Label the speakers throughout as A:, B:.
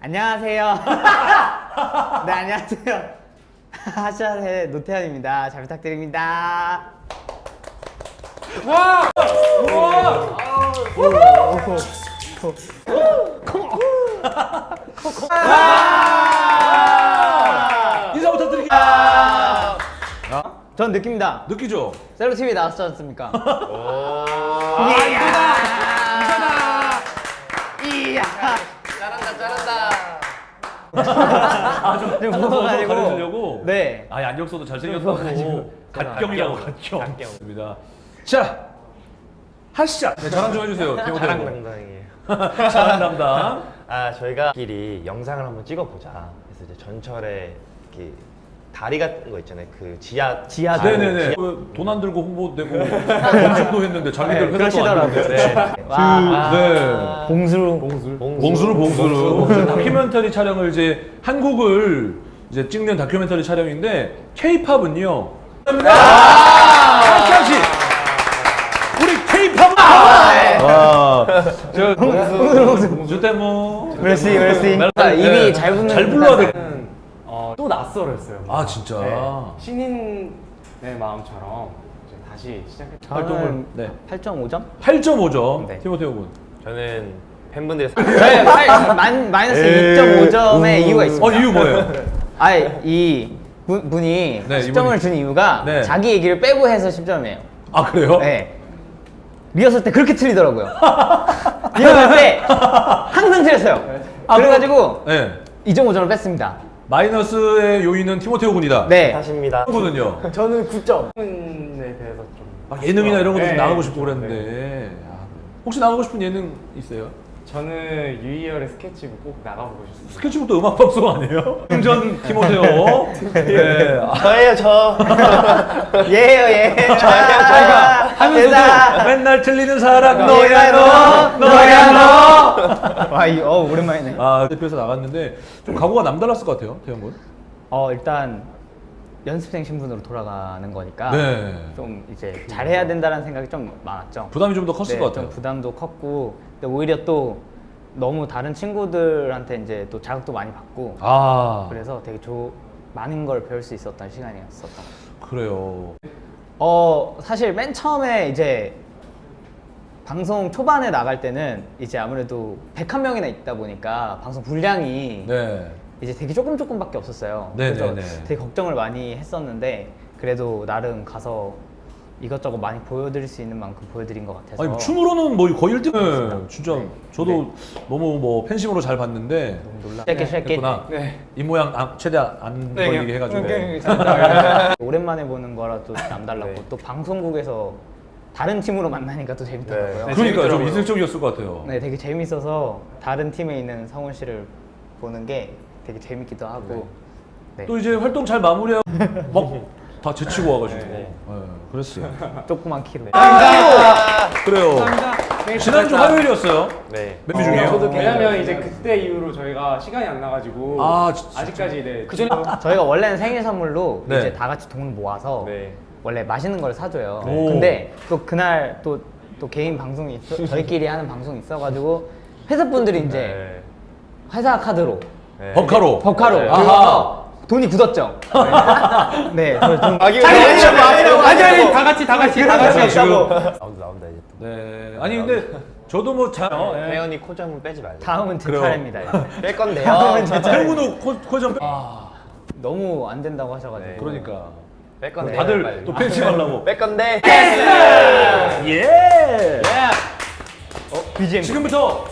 A: 안녕하세요. 네, 안녕하세요. 하샤의 노태현입니다. 잘 부탁드립니다.
B: 와! 우와! 인사 부탁드릴게요.
A: 전 느낍니다.
B: 느끼죠?
A: 셀로TV 나왔지 않습니까? 이야!
B: 좀
A: 무서워가지고.
B: 가르치려고?
A: 네.
B: 아, 안경써도
A: 무서워가지고.
B: 잘생겼다고. 갓경이라고, 갓경. 입니다. 자, 하시죠. 네, 자랑 좀 해주세요.
C: 자랑 담당이에요.
B: 자랑 담당.
C: 아 저희가끼리 영상을 한번 찍어보자. 그래서 이제 전철에 이렇게 다리 같은 거 있잖아요. 그 지하
B: 네네네. 돈 안 들고 홍보되고 건축도 했는데 자기들 회사도 안
A: 그러시더라고요.
B: 되는데.
A: 와.
B: 네. 봉수루. 다큐멘터리 촬영을 이제 한국을 이제 찍는 다큐멘터리 촬영인데 K-팝은요. 하시 우리 K-팝은 봉수 때문.
A: 멜시. 입이 잘 붙는.
B: 잘 불러야 돼.
D: 또 낯설었어요.
B: 아 진짜.
D: 네. 신인의 마음처럼 이제 다시 시작했죠.
B: 활동을 네.
A: 8.5점?
B: 8.5점.
A: 네.
B: 티모테오 군.
C: 저는 팬분들의
A: 네, 마이너스 2.5점의 이유가 있습니다.
B: 이유 뭐예요?
A: 이 분이
B: 네,
A: 10점을
B: 이분이.
A: 준 이유가
B: 네.
A: 자기 얘기를 빼고 해서 10점이에요.
B: 아 그래요?
A: 네. 리허설 때 그렇게 틀리더라고요. 리허설 때 항상 틀렸어요. 그래가지고
B: 네.
A: 2.5점을 뺐습니다.
B: 마이너스의 요인은 티모테오 군이다.
A: 네.
C: 탓입니다.
B: 군은요?
D: 저는 9점에 대해서 좀
B: 막 예능이나 이런 것도 좀
D: 네,
B: 나가고 싶고
D: 그렇죠.
B: 그랬는데 혹시 나가고 싶은 예능 있어요?
D: 저는 유이열의 스케치북 꼭 나가보고 싶습니다.
B: 스케치북도 음악 방송 아니에요? 전 티모테오. 네.
C: 저예요 저.
A: 예요.
B: 저희가 하면서도 맨날 틀리는 사람 너야 너.
A: 와, 오랜만이네.
B: 아 대표에서 나갔는데 좀 각오가 남달랐을 것 같아요, 태영 군.
A: 일단 연습생 신분으로 돌아가는 거니까
B: 네.
A: 좀 이제 잘해야 된다는 생각이 좀 많았죠.
B: 부담이 좀 더 컸을 것 같아요.
A: 좀 부담도 컸고, 근데 오히려 또 너무 다른 친구들한테 이제 또 자극도 많이 받고,
B: 아
A: 그래서 되게 많은 걸 배울 수 있었던 시간이었었던.
B: 그래요.
A: 사실 맨 처음에 이제 방송 초반에 나갈 때는 이제 아무래도 101명이나 있다 보니까 방송 분량이
B: 네.
A: 이제 되게 조금밖에 없었어요.
B: 네,
A: 그래서
B: 네, 네.
A: 되게 걱정을 많이 했었는데 그래도 나름 가서 이것저것 많이 보여드릴 수 있는 만큼 보여드린 것 같아서.
B: 아니 춤으로는 뭐 거의 1등. 네, 진짜 저도 너무 뭐 팬심으로 잘 봤는데
A: 쉐킷.
B: 했구나.
D: 네.
B: 입 모양 최대한 안 걸리게 해가지고.
A: 오랜만에 보는 거라 또 남달랐고
C: 네.
A: 또 방송국에서 다른 팀으로 만나니까 또 재밌더라고요.
C: 네.
B: 그러니까 좀
D: 재밌더라고요.
B: 이색적이었을 것 같아요.
A: 네, 되게 재밌어서 다른 팀에 있는 성훈 씨를 보는 게 되게 재밌기도 하고. 네.
B: 또 이제 활동 잘 마무리하고 막 다 제치고 와가지고.
C: 네.
B: 그랬어요.
A: 조그만 키로.
B: 그래요. 지난주 화요일이었어요.
C: 네.
B: 멤버 중에요.
D: 저도 왜냐면 이제 그때 이후로 저희가 시간이 안 나가지고 아직까지 네.
A: 저희가 원래는 생일 선물로
B: 네.
A: 이제 다 같이 돈 모아서
C: 네.
A: 원래 맛있는 걸 사줘요.
B: 오.
A: 근데 또 그날 또 개인 방송이 저희끼리 하는 방송이 있어가지고 회사분들이 이제
C: 네.
A: 회사 카드로
C: 네.
B: 법카로.
A: 법카로
C: 네.
A: 그래서 돈이 굳었죠. 네, 좀
C: 아니
D: 다 같이
B: 지금
C: 나온다 이제 또.
B: 네. 아니 근데 저도 뭐 잘.
C: 혜연이 코점은 빼지 말고.
A: 다음은 제
B: 그래요.
A: 차례입니다.
C: 뺄 건데요.
A: 다음은 제 차례.
B: 태훈은 코좀.
A: 너무 안 된다고 하셔가지고.
C: 네.
B: 그러니까.
C: 뺄 건데.
B: 다들 또 팬심 하려고.
C: 뺄 건데.
B: 예.
A: BGM.
B: 지금부터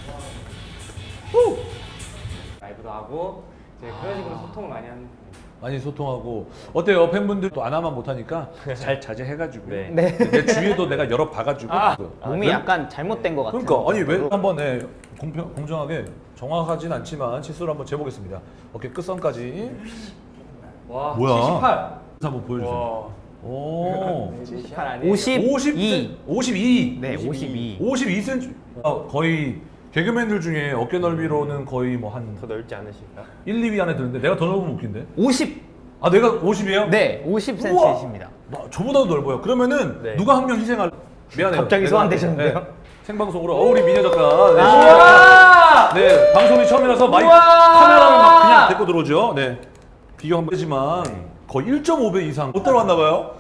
D: 라이브도 하고 이제 그런 식으로 소통을 많이 하는.
B: 많이 소통하고 어때요 팬분들 또 안 하면 못하니까 잘 자제해가지고
C: 네.
A: 네.
B: 내 주위에도 내가 여러 봐가지고
A: 몸이 약간 잘못된 것 같아요.
B: 그러니까 아니 왜 한번 공정하게 정확하진 않지만 치수를 한번 재보겠습니다. 어깨 끝선까지
D: 와,
B: 뭐야?
D: 78.
B: 한번 보여주세요. 오
D: 78 아니에요?
A: 52.
B: 52.
A: 네, 52.
B: 52cm. 거의 개그맨들 중에 어깨 넓이로는 거의 뭐 한
C: 더 넓지 않으실까?
B: 1, 2위 안에 드는데 내가 더 넓으면 웃긴데?
A: 50.
B: 아 내가 50이에요?
A: 네, 50cm이십니다.
B: 저보다도 넓어요. 그러면은
C: 네.
B: 누가 한 명 희생할? 미안해요.
A: 갑자기
B: 내가-
A: 소환되셨는데요?
B: 네. 생방송으로 우리 미녀 작가. 네.
D: 와!
B: 네, 방송이 처음이라서 마이크 카메라를 막 그냥 데리고 들어오죠. 네. 비교 한번 하지만 거의 1.5배 이상 못 따라왔나 봐요.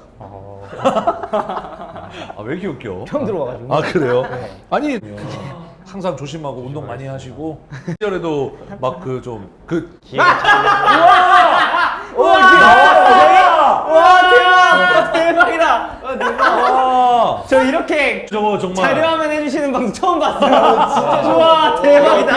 B: 아, 왜 이렇게 웃겨?
A: 처음 들어와가지고.
B: 아, 그래요? 아니, 항상 조심하고 운동 많이 하시고 시절에도 막
A: 와 대박이다.
B: 아,
A: 저 이렇게
B: 저거 정말
A: 자료화면 해주시는 방송 처음 봤어요. 진짜 좋아 대박이다.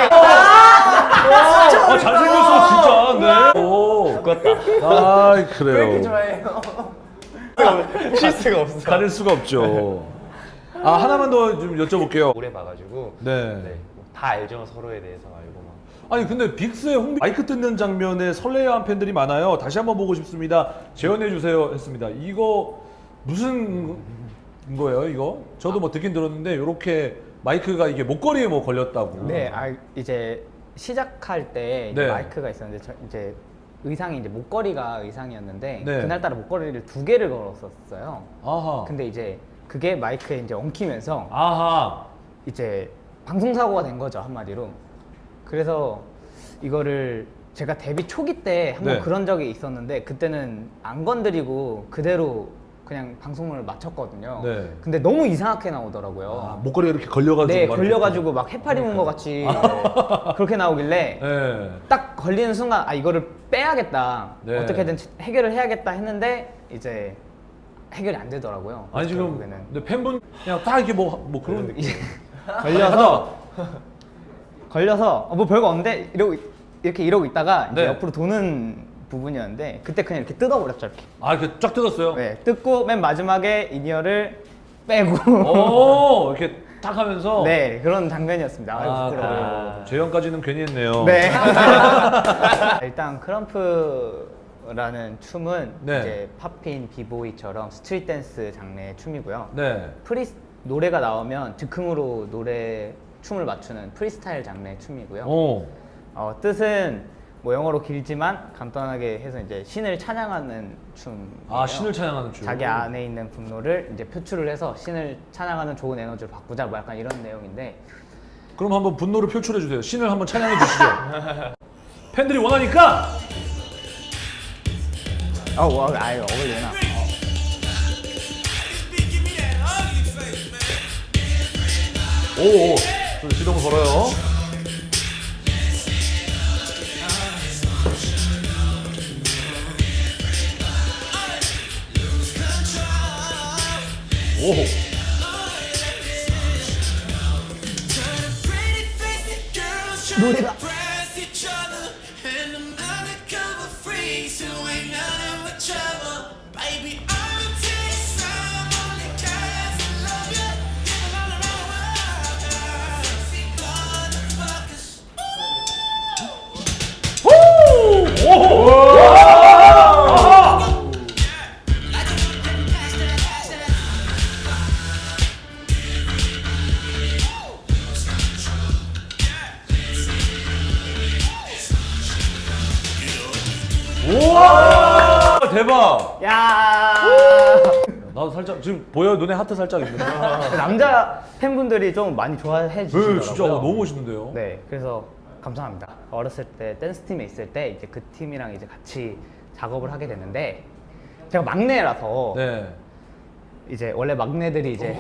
B: 아, 잘생겼어 진짜. 네. 오.
C: 바꿨다.
B: 아, 그래요.
D: 왜 이렇게 좋아해요?
C: 실수가 없어.
B: 가릴 수가 없죠. 아, 하나만 더 좀 여쭤볼게요.
C: 오래 봐가지고
B: 네.
C: 다 알죠 서로에 대해서 알고 막.
B: 아니 근데 빅스의 홍비 마이크 뜯는 장면에 설레어한 팬들이 많아요. 다시 한번 보고 싶습니다. 재현해 주세요 했습니다. 이거 무슨 거예요 이거? 저도 뭐 듣긴 들었는데 이렇게 마이크가 이게 목걸이에 뭐 걸렸다고.
A: 네, 이제 시작할 때 이제
B: 네.
A: 마이크가 있었는데 이제 의상이 이제 목걸이가 의상이었는데
B: 네.
A: 그날따라 목걸이를 2개를 걸었었어요.
B: 아하.
A: 근데 이제 그게 마이크에 이제 엉키면서
B: 아하.
A: 이제 방송 사고가 된 거죠 한마디로. 그래서 이거를 제가 데뷔 초기 때 한번
B: 네.
A: 그런 적이 있었는데 그때는 안 건드리고 그대로 그냥 방송을 마쳤거든요.
B: 네.
A: 근데 너무 이상하게 나오더라고요.
B: 아, 목걸이가 이렇게 걸려가지고.
A: 네,
B: 막
A: 걸려가지고 막 해파리 문 것 같이 그렇게 나오길래
B: 네.
A: 딱 걸리는 순간 아 이거를 빼야겠다.
B: 네.
A: 어떻게든 해결을 해야겠다 했는데 이제 해결이 안 되더라고요.
B: 아니 지금
A: 결국에는.
B: 근데 팬분 그냥 딱 이렇게 뭐 그런 느낌.
A: 걸려서 뭐 별거 없는데 이러고 있다가 이제
B: 네.
A: 옆으로 도는 부분이었는데 그때 그냥 이렇게 뜯어버렸죠 이렇게.
B: 아, 이렇게 쫙 뜯었어요.
A: 네, 뜯고 맨 마지막에 인이어를 빼고
B: 오, 이렇게 딱 하면서.
A: 네 그런 장면이었습니다. 아유,
B: 아,
A: 부끄러워요.
B: 그래요. 재현까지는 괜히 했네요.
A: 네. 일단 크럼프라는 춤은
B: 네.
A: 이제 팝핀, 비보이처럼 스트릿 댄스 장르의 춤이고요.
B: 네.
A: 노래가 나오면 즉흥으로 춤을 맞추는 프리스타일 장르의 춤이고요.
B: 오.
A: 뜻은 뭐 영어로 길지만 간단하게 해서 이제 신을 찬양하는 춤이에요.
B: 아, 신을 찬양하는 춤.
A: 자기 안에 있는 분노를 이제 표출을 해서 신을 찬양하는 좋은 에너지를 바꾸자 뭐 약간 이런 내용인데
B: 그럼 한번 분노를 표출해 주세요. 신을 한번 찬양해 주시죠. 팬들이 원하니까.
A: 아유 어울리나.
B: 오, 좀 시동 걸어요. 오.
A: 노래가
B: 우와! 대박!
A: 야
B: 나도 살짝 지금 보여요? 눈에 하트 살짝 있는데.
A: 남자 팬분들이 좀 많이 좋아해 주시더라고요.
B: 네, 진짜 너무 멋있는데요.
A: 네, 그래서 감사합니다. 어렸을 때 댄스 팀에 있을 때 이제 그 팀이랑 이제 같이 작업을 하게 됐는데 제가 막내라서
B: 네.
A: 이제 원래 막내들이 이제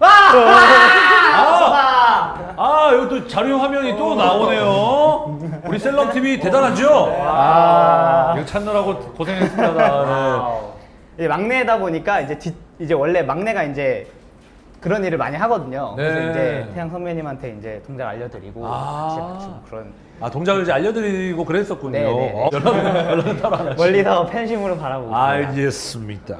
B: 아, 이거 또 자료 화면이 또 나오네요. 우리 셀럽 TV 대단하죠? 이거 찾느라고 고생했습니다. 네.
A: 이제 막내다 보니까 이제 원래 막내가 이제 그런 일을 많이 하거든요.
B: 네.
A: 그래서 이제 태양 선배님한테 이제 동작 알려드리고
B: 아.
A: 같이 맞추고 그런
B: 아, 동작을 이제 알려드리고 그랬었군요.
A: 네, 네, 네.
B: 연락은 따로 안 하시고.
A: 멀리서 팬심으로 바라보고 있습니다.
B: 알겠습니다.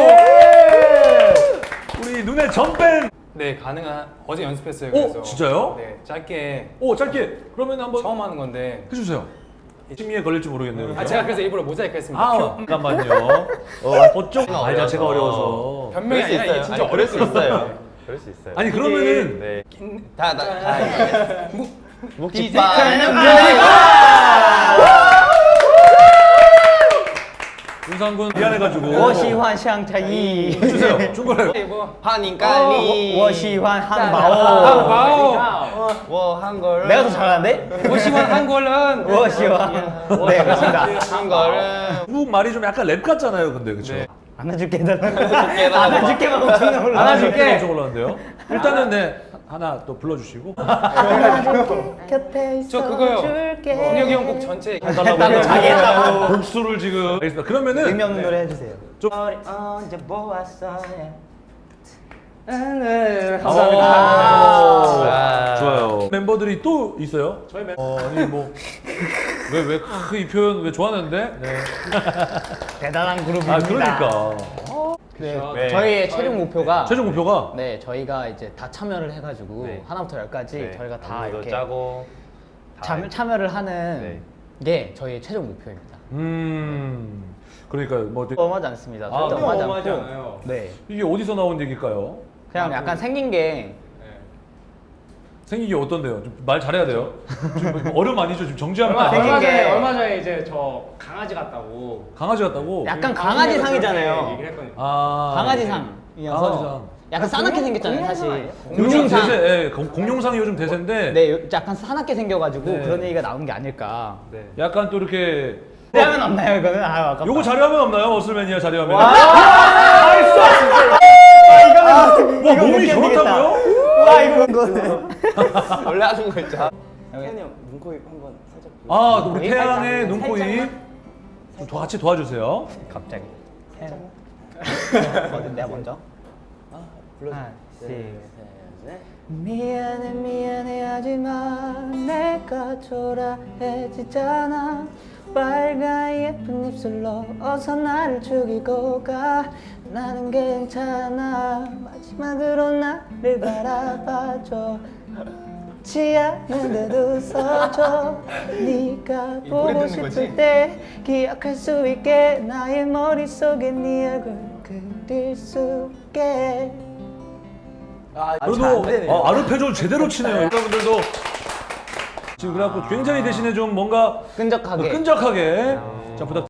B: 우리 눈에 점뺀.
D: 네, 가능한 어제 연습했어요.
B: 오,
D: 그래서
B: 진짜요?
D: 네, 짧게
B: 오, 짧게. 그러면 한번
D: 처음 하는 건데.
B: 해주세요. 심의에 걸릴지 모르겠네요.
D: 아, 제가 그래서 일부러 모자이크 했습니다.
B: 아, 잠깐만요. 어쩜 알 자체가 어려워서.
D: 변명이
C: 그럴 수
D: 아니라
C: 있어요.
D: 이게 진짜
C: 아니, 그럴 수
D: 어려웠어요.
C: 있어요. 그럴 수 있어요.
B: 아니 그러면은
C: 네.
D: 다
B: 윤상군 미안해가지고.
A: 我喜欢香茶一
B: 해주세요. 중간에.
D: 뭐
C: 欢迎光临。
A: 我喜欢汉堡
D: 한바오
C: 워한 걸.
A: 내가 더 잘하는데?
D: 50원 한 걸은
A: 무엇이와 네 그렇습니다.
C: 한 거를.
B: 중국 말이 좀 약간 랩 같잖아요, 근데 그렇죠?
C: 네.
A: 안아줄게 안아줄게만 엄청 올라
D: 안아줄게.
B: 엄청 올라왔는데요. 일단은 네 하나 또 불러주시고.
A: 곁에
D: 저 그거요.
A: 있어줄게.
D: 준혁이 형 곡 전체
A: 했다고 자기 했다고
B: 복수를 지금. 알겠습니다. 그러면은
A: 의미 없는 노래 해주세요.
B: 좀-
A: 언제 보았어
D: 네,
A: 감사합니다.
C: 아.
B: 좋아요. 멤버들이 또 있어요? 저희 아니 뭐 왜 이 표현 왜 좋아하는데? 네.
A: 대단한 그룹입니다.
B: 아 그러니까
A: 네, 저희의 최종 목표가
B: 최종 목표가
A: 네 저희가 이제 다 참여를 해가지고
C: 네.
A: 하나부터 열까지
C: 네,
A: 저희가 다
C: 안무도
A: 이렇게
C: 짜고. 다
A: 참여를 하는
C: 네.
A: 게 저희의 최종 목표입니다.
B: 그러니까 뭐 되게-
A: 엄하지 않습니다.
B: 아,
A: 절대
B: 그럼
D: 엄하지
A: 않고.
D: 않아요.
A: 네,
B: 이게 어디서 나온 얘기일까요?
A: 그냥 약간 생긴 게
B: 생긴 게 어떤데요? 좀 말 잘해야 돼요. 지금 뭐 얼음 아니죠? 지금 정지하면 안
A: 생긴
B: 돼요.
A: 게-
D: 얼마 전에 이제 저 강아지 같다고
B: 강아지 같다고?
A: 약간
D: 그
A: 강아지
D: 방송에서
A: 상이잖아요.
D: 그렇게 얘기를 했거든요.
B: 아
A: 강아지상이어서
B: 강아지상.
A: 약간 싸납게 생겼잖아요, 사실.
B: 요즘
A: 공룡상.
B: 대세, 예, 공룡상이 요즘 대세인데
A: 네, 약간 사납게 생겨가지고
B: 네.
A: 그런 얘기가 나온 게 아닐까.
C: 네.
B: 약간 또 이렇게
A: 자료화면 없나요, 이거는? 아, 아깝다.
B: 요거 자료화면 없나요? 어슬맨이야 자료화면.
A: 와,
B: 몸이 저렇다고요?
A: 와, 이거는.
C: 원래 하는 거 있잖아.
A: 태현이 형 눈코입 한번 살짝.
B: 아, 또 우리 태양의 눈코입 좀 같이 도와주세요.
A: 갑자기. 어디 내가 먼저? 하나, 둘, 셋. 미안해 미안해 하지만 내가 초라해지잖아. 빨간 예쁜 입술로 어서 나를 죽이고 가. 나는 괜찮아. 마지막으로 나를 바라봐줘. 지 않는데도 웃어줘. 네가 보고 싶을 때 기억할 수 있게 나의 머릿속에 네 얼굴 그릴 수 있게.
B: 그래도 아르페지오를 제대로 치네요. 여러분들도 지금 그래갖고 굉장히 대신에 좀 뭔가
A: 끈적하게.
B: 끈적하게 자 부탁.